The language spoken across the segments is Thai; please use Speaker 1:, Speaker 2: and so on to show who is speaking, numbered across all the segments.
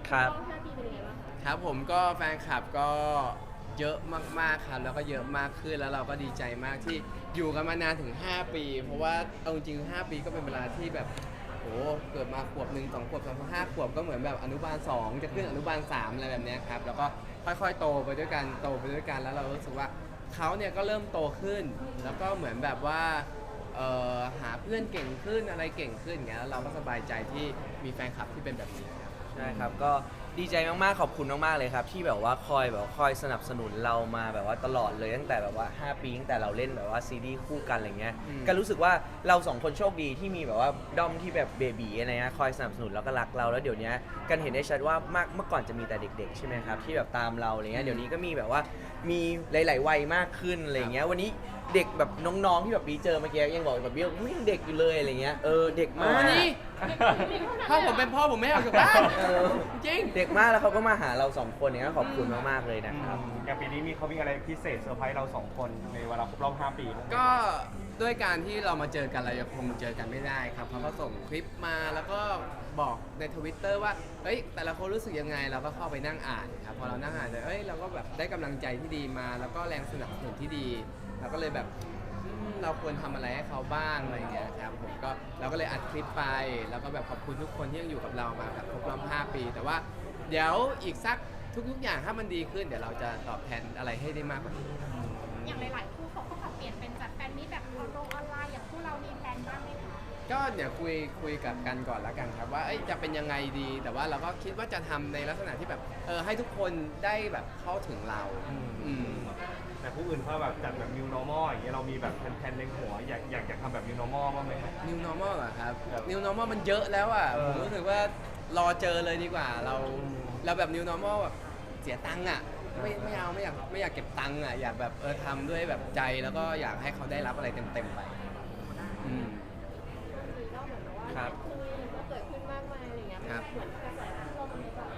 Speaker 1: ครับ
Speaker 2: 5 ปีเป็นยังไงบ้างคะ
Speaker 3: ครับผมก็แฟนคลับก็เยอะมากๆครับแล้วก็เยอะมากขึ้นแล้วเราก็ดีใจมากที่อยู่กันมานานถึง 5 ปีเพราะว่าเอาจริงๆ5 ปีก็เป็นเวลาที่แบบโหเกิดมาขวบหนึ่ง2 ขวบ3 5 ขวบก็เหมือนแบบอนุบาล2จะขึ้นอนุบาล3อะไรแบบเนี้ยครับแล้วก็ค่อยๆโตไปด้วยกันแล้วเรารู้สึกว่าเขาเนี่ยก็เริ่มโตขึ้นแล้วก็เหมือนแบบว่าหาเพื่อนเก่งขึ้นอะไรเก่งขึ้นอย่างเงี้ยแล้วเราก็สบายใจที่มีแฟนคลับที่เป็นแบบนี้ครับ
Speaker 1: ใช่ครับก็ดีใจมากๆขอบคุณมากๆเลยครับที่แบบว่าคอยสนับสนุนเรามาแบบว่าตลอดเลยตั้งแต่แบบว่า5 ปีตั้งแต่เราเล่นแบบว่าซีรีส์คู่กันอะไรเงี้ยก็รู้สึกว่าเรา2 คนโชคดีที่มีแบบว่าด้อมที่แบบเบบีอะไรเงี้ยคอยสนับสนุนแล้วก็รักเราแล้วเดี๋ยวนี้กันเห็นได้ชัดว่ามากเมื่อก่อนจะมีแต่เด็กๆใช่ไหมครับที่แบบตามเราอะไรเงี้ยเดี๋ยวนี้ก็มีแบบว่ามีหลายๆวัยมากขึ้นอะไรเงี้ยวันนี้เด็กแบบน้องๆที่แบบปีเจอเมื่อกี้ยังบอกแบบเบี้ยยังเด็กอยู่เลยอะไรเงี้ยเด็กมาก
Speaker 3: นี่ถ้าผมเป็นพ่อผมไม่ออกจากบ้าน จริง
Speaker 1: เด็กมากแล้วเขาก็มาหาเรา2 คนเนี่ยขอบคุณมากๆเลยนะครับ
Speaker 4: อย่างปีนี้เขามีอะไรพิเศษเซอร์ไพรส์เรา2 คนในเวลาครบรอบ5 ปีบ้างไหม
Speaker 3: ก็ด้วยการที่เรามาเจอกันเรายังคงเจอกันไม่ได้ครับเขาก็ส่งคลิปมาแล้วก็บอกในทวิตเตอร์ว่าเฮ้ยแต่ละคนรู้สึกยังไงเราก็เข้าไปนั่งอ่านครับพอเรานั่งอ่านเอ้ยเราก็แบบได้กำลังใจที่ดีมา แล้วก็แรงสนับสนุนที่ดีเราก็เลยแบบเราควรทำอะไรให้เขาบ้างอะไรอย่างเงี้ยครับผมก็เราก็เลยอัดคลิปไปแล้วก็แบบขอบคุณทุกคนที่ยังอยู่กับเรามาแบบครบรอบ5 ปี แต่ว่าเดี๋ยวอีกสักทุกๆอย่างถ้ามันดีขึ้นเดี๋ยวเราจะตอบแทนอะไรให้ได้มากกว่านี้
Speaker 2: อย่างหลายๆคู่เขาก็ปรับเปลี่ยนเป็นจัดแฟนมีตแบบออนไลน์อย่างคู่เรามีแพลนบ้างไหมคะ
Speaker 3: ก็เดี๋ยวคุยกับกันก่อนละกันครับว่าจะเป็นยังไงดี แต่ว่าเราก็คิดว่าจะทำในลักษณะที่แบบให้ทุกคนได้แบบเข้าถึงเราอืม
Speaker 4: แต่ผู้อื่นเขาแบบจัดแบบ new normal อย่างเงี้ยเรามีแบบแผนในหัวอยากทำแบบ new normal บ้างไหมครับ
Speaker 3: New Normal เหรอครับ
Speaker 4: ครับ
Speaker 3: New Normal มันเยอะแล้วอ่ะผมรู้สึกว่ารอเจอเลยดีกว่าเราแบบ New Normal แบบเสียตังค์อ่ะไม่เอาไม่อยากเก็บตังค์อ่ะอยากแบบทำด้วยแบบใจแล้วก็อยากให้เขาได้รับอะไรเต็มๆไปอืม
Speaker 2: มีก็เหมือนกับว่า
Speaker 1: ครับ
Speaker 2: ก็เกิดขึ้นมากมายอะไรเงี้ย
Speaker 3: ครับ
Speaker 2: เหมือนกระแสที่เรามีแบบ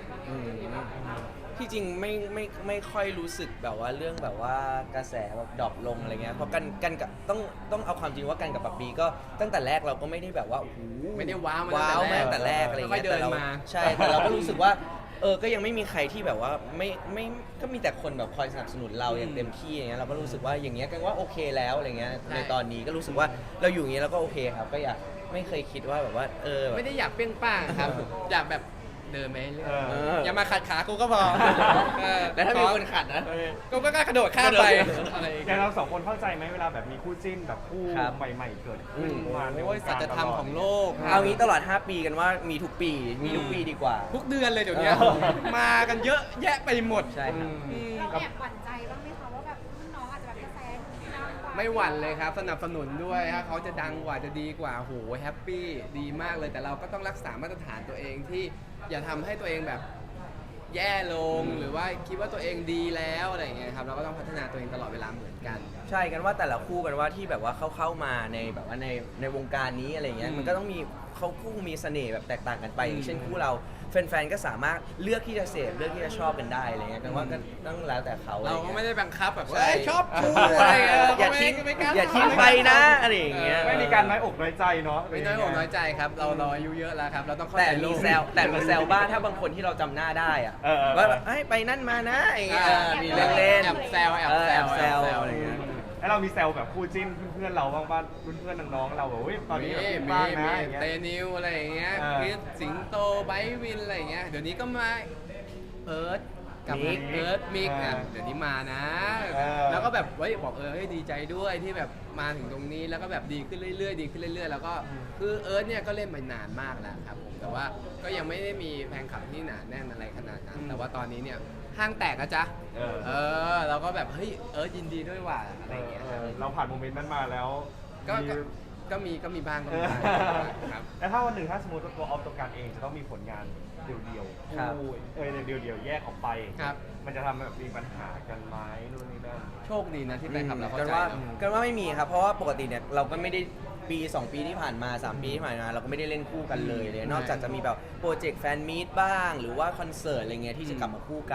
Speaker 1: ที่จริงไม่ค่อยรู้สึกแบบว่าเรื่องแบบว่ากระแสแบบดรอปลงอะไรเงี้ยเพราะกันกับต้องเอาความจริงว่ากันกับปับปีก็ตั้งแต่แรกเราก็ไม่ได้แบบว่าโอ้โห
Speaker 3: ไม่ได้ว้าว
Speaker 1: ว้าว
Speaker 3: มา
Speaker 1: มาตั้งแต่แรกอะไร
Speaker 3: ค่อ
Speaker 1: เงี้
Speaker 3: ย
Speaker 1: ย
Speaker 3: ๆเดิ
Speaker 1: แต่
Speaker 3: น
Speaker 1: เรา
Speaker 3: มา
Speaker 1: ใช่แต่เราก็รู้สึกว่าก็ยังไม่มีใครที่แบบว่าไม่ก็มีแต่คนแบบคอยสนับสนุนเราอย่างเต็มที่อย่างเงี้ยเราก็รู้สึกว่าอย่างเงี้ยกันว่าโอเคแล้วอะไรเงี้ย
Speaker 3: ใช่
Speaker 1: ในตอนนี้ก็รู้สึกว่าเราอยู่อย่างเงี้ยเราก็โอเคครับก็อยากไม่เคยคิดว่าแบบว่าแบบ
Speaker 3: ไม่ได้อยากเปรี้ยงป้างครับ อยากแบบเดินไปเรื่อย อย่ามาขัดขากูก็พอ
Speaker 1: แล้วถ้ามีคนขัดนะ
Speaker 3: กูก็กล้ากระโดดข้ามไปอะไรอย่าง
Speaker 4: อ
Speaker 3: เงี้
Speaker 4: ย่าย งเรา2 คนเข้าใจไหมเวลาแบบมีคู่จิ้นแบบคู่
Speaker 1: ครับ
Speaker 4: ใหม่ๆเกิดขึ้นมาในว
Speaker 3: โอ้ย
Speaker 4: ง
Speaker 3: สั
Speaker 4: การ
Speaker 3: จธรรมของโลก
Speaker 1: เอางี้ตลอด 5 ปีกันว่ามีทุกปีดีกว่า
Speaker 3: ทุกเดือนเลยเดี๋ยวนี้มากันเยอะแยะไปหมด
Speaker 1: ใช่ครับ
Speaker 3: อืม
Speaker 2: เราแอบหวั่นใจบ้างไหมคะว่าแบบน้องอาจจะแบบกระแสดังกว่า
Speaker 3: ไม่หวั่นเลยครับ สนับสนุนด้วยถ้าเขาจะดังกว่าจะดีกว่าโหแฮปปี้ดีมากเลยแต่เราก็ต้องรักษามาตรฐานตัวเองที่อย่าทำให้ตัวเองแบบแย่ลงหรือว่าคิดว่าตัวเองดีแล้วอะไรอย่างเงี้ยครับเราก็ต้องพัฒนาตัวเองตลอดเวลาเหมือนกัน
Speaker 1: ใช่กันว่าแต่ละคู่กันว่าที่แบบว่าเข้ามาในแบบว่าในวงการนี้อะไรเงี้ย
Speaker 3: อืม
Speaker 1: มันก็ต้องมีเขาคู่มีเสน่ห์แบบแตกต่างกันไปอย่างเช่นคู่เราแฟนๆก็สามารถเลือกที่จะเสพเลือกที่จะชอบกันได้อะไรเงี้ยกันว่าก็ต้องแล้วแต่เขาอะไร
Speaker 3: เราก็
Speaker 1: เงี้ย
Speaker 3: ไม่ได้บังคับแบบ
Speaker 1: ใช่
Speaker 3: ว่าชอบกูอะไรเงี้ย
Speaker 1: อย่าทิ้ง
Speaker 3: ไม่กล้
Speaker 1: อย่าทิ้งไปนะอะไรอย่างเงี้ย
Speaker 4: ไม่มีการน้อยอกน้อยใจเนาะ
Speaker 3: ไม่น้อยอกน้อยใจครับเราอายุเยอะแล้วครับเราต้องเข้า
Speaker 1: แต่
Speaker 3: ใจโล
Speaker 1: มี
Speaker 3: ก
Speaker 1: แซวบ้างถ้าบางคนที่เราจำหน้าได้อะ ว่าแบบไปนั่นมานะอย่างเงี้ยมีเล่นๆ
Speaker 3: แอบแซว
Speaker 1: แอบแซวอะไรเงี้ย
Speaker 4: แล้วเรามีแซวแบบคู่จิ้นเพื่อนๆเราบ้างป่ะเพื่อนๆน้องๆเราแบบเฮ้ยตอนนี้แบบบ้างนะอย่างเงี้ย
Speaker 3: เตนิวอะไรอย่างเงี้ย
Speaker 4: เออ
Speaker 3: คริสสิงโตไบร์ทวินอะไรอย่างเงี้ยเดี๋ยวนี้ก็มาเอิร์ธกับ
Speaker 1: มิก
Speaker 3: เอิร์ธมิกอ่ะเดี๋ยวนี้มานะ แล้วก็แบบบอกเฮ้ยดีใจด้วยที่แบบมาถึงตรงนี้แล้วก็แบบดีขึ้นเรื่อยๆดีขึ้นเรื่อยๆแล้วก็คือเอิร์ธเนี่ยก็เล่นมานานมากแล้วครับผมแต่ว่าก็ยังไม่ได้มีแฟนคลับที่หนาแน่นอะไรขนาดนั้นแต่ว่าตอนนี้เนี่ยห้างแตกอะจ๊ะเราก็แบบเฮ้ยเอิร์ธยินดีด้วยว่ะอะไรอย่างเงี้ยครับ
Speaker 4: เราผ่านโมเมนต์นั้นมาแล้ว
Speaker 3: ก็มีบ้างครับ
Speaker 4: แล้วถ้าวันหนึ่งถ้าสมมติว่าตัวออฟตัวการเองจะต้องมีผลงานเดี่ยวๆ
Speaker 1: ครับ
Speaker 4: คู่เดี่ยวๆแยกออกไป
Speaker 3: ครับ
Speaker 4: มันจะทำแบบมีปัญหากันไหมนู่นนี่นั่น
Speaker 3: โชคดีนะที่แฟนคลับเราเข้า
Speaker 1: กัน
Speaker 3: ใจ
Speaker 1: ว่า
Speaker 3: เนอะ
Speaker 1: กันว่าไม่มีครับ เพราะว่าปกติเนี่ยเราก็ไม่ได้ปี 2 ปีที่ผ่านมา 3 ปีที่ผ่านมาเราก็ไม่ได้เล่นคู่กันเลยนอกจากจะมีแบบโปรเจกต์แฟนมีตบ้าง หรือว่าคอนเสิร์ตอะไรเงี้ยที่จะกลับมาคู่กัน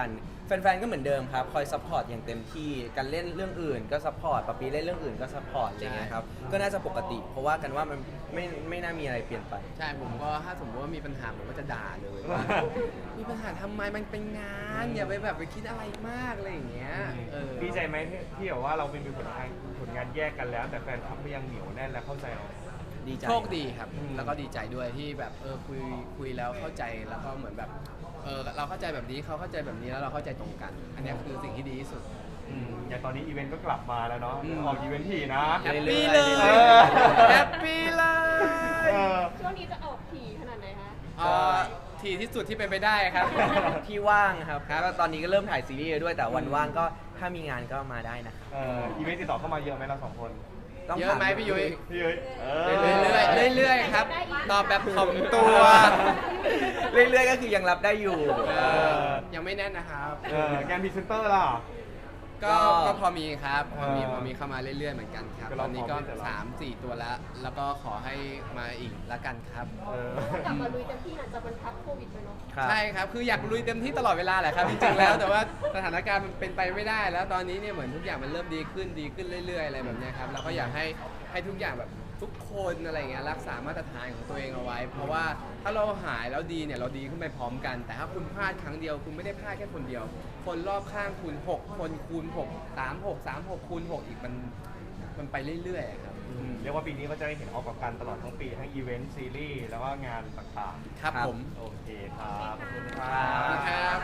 Speaker 1: แฟนๆ ก็เหมือนเดิมครับ คอยซัพพอร์ตอย่างเต็มที่กันเล่นเรื่องอื่นก็ซัพพอร์ตปะปีเล่นเรื่องอื่นก็ซัพพอร์ตอะไรเงี้ยครับ ก็น่าจะปกติ เพราะว่ากันว่ามันไม่น่ามีอะไรเปลี่ยนไป
Speaker 3: ใช่ผมก็ถ้าสมมติว่ามีปัญหาผมก็จะด่าเลยว่า มีปัญหาทำไมมันเป็นงานอย่าไปแบบไปคิดอะไรมากอะไรอย่างเงี้ย
Speaker 4: ดีใจไหมที่แบบว่าเราเป็นผลงานแยกกันแล้ว แต่แฟนคลับก็ยังเหนียวแน่นและเข้าใจเรา
Speaker 1: ดีใจ
Speaker 3: โชคดีครับ
Speaker 4: อืม
Speaker 3: แล้วก็ดีใจด้วยที่แบบคุยแล้วเข้าใจแล้วก็เหมือนแบบเราเข้าใจแบบนี้เขาเข้าใจแบบนี้แล้วเราเข้าใจตรงกัน อันเนี้ยคือสิ่งที่ดีที่สุด
Speaker 4: อย่างตอนนี้อีเวนต์ก็กลับมาแล้วเนาะ
Speaker 3: อืม
Speaker 4: ออกอีเวนต์ทีนะ
Speaker 3: แฮปปี้เลย
Speaker 4: เออ
Speaker 3: แฮปปี้เลย
Speaker 4: เออ
Speaker 2: ช่วงนี้จะออกถี่ขนาดไหนคะ
Speaker 3: ทีที่สุดที่เป็นไปได้ครับ
Speaker 1: ที่ว่างครับ
Speaker 3: ครับ
Speaker 1: ก็ตอนนี้ก็เริ่มถ่ายซีรีส์ด้วยแต่วันว่างก็ถ้ามีงานก็มาได้นะ
Speaker 4: อีเวนต์ติดต่อเข้ามาเยอะไหมเราสองคน
Speaker 1: ต้อง
Speaker 3: เยอะไหม
Speaker 1: ถา
Speaker 3: พี่ยุ้ย
Speaker 4: พี่เอ้ย
Speaker 3: เรื่อยๆครับ ตอบแบบถ่อมตัว
Speaker 1: เรื่อยๆก็คือยังรับได้อยู่
Speaker 3: ยังไม่แน่นนะครับ
Speaker 4: งานพรีเซนเตอร์ล่ะ
Speaker 3: ก็พอมีครับพอมี
Speaker 4: เออ
Speaker 3: พอมีเข้ามาเรื่อยๆเหมือนกันครับ
Speaker 4: ก็
Speaker 3: ต
Speaker 4: รอ
Speaker 3: อนนี้ก็
Speaker 4: พร้อมที่จะรับ
Speaker 3: 3-4 ตัวแล้ว แล้วก็ขอให้มาอีกละกันครับ
Speaker 2: กลับมาลุยเต็มที่หลังจากมันพักโควิดไปเนาะ
Speaker 1: ครับ
Speaker 3: ใช่ครับ คืออยากลุยเต็มที่ตลอดเวลาแหละครับ จริงๆ แล้วแต่ว่าสถานการณ์มันเป็นไปไม่ได้ แล้วตอนนี้เนี่ยเหมือนทุกอย่างมันเริ่มดีขึ้นเรื่อยๆ อะไรแบบเนี้ยครับเราก็อยากให้ทุกอย่างแบบทุกคนอะไรเงี้ยรักษามาตรฐานของตัวเองเอาไว้ เพราะว่าถ้าเราหายแล้วดีเนี่ยเราดีขึ้นไปพร้อมกัน แต่ถ้าคุณพลาดครั้งเดียวคุณไม่ได้พลาดแค่คนเดียว คนรอบข้างคุณ6คนคูณ6 3 6คูณ6อีกมันไปเรื่อยๆอะครับ
Speaker 4: เรียกว่าปีนี้ก็จะได้เห็นออกกับกันตลอดทั้งปีทั้งอีเวนต์ซีรีส์แล้วก็งานต่าง
Speaker 3: ครับผม
Speaker 4: ๆ โอเคครับขอบคุณค
Speaker 1: ครั
Speaker 4: รับ
Speaker 3: ครับ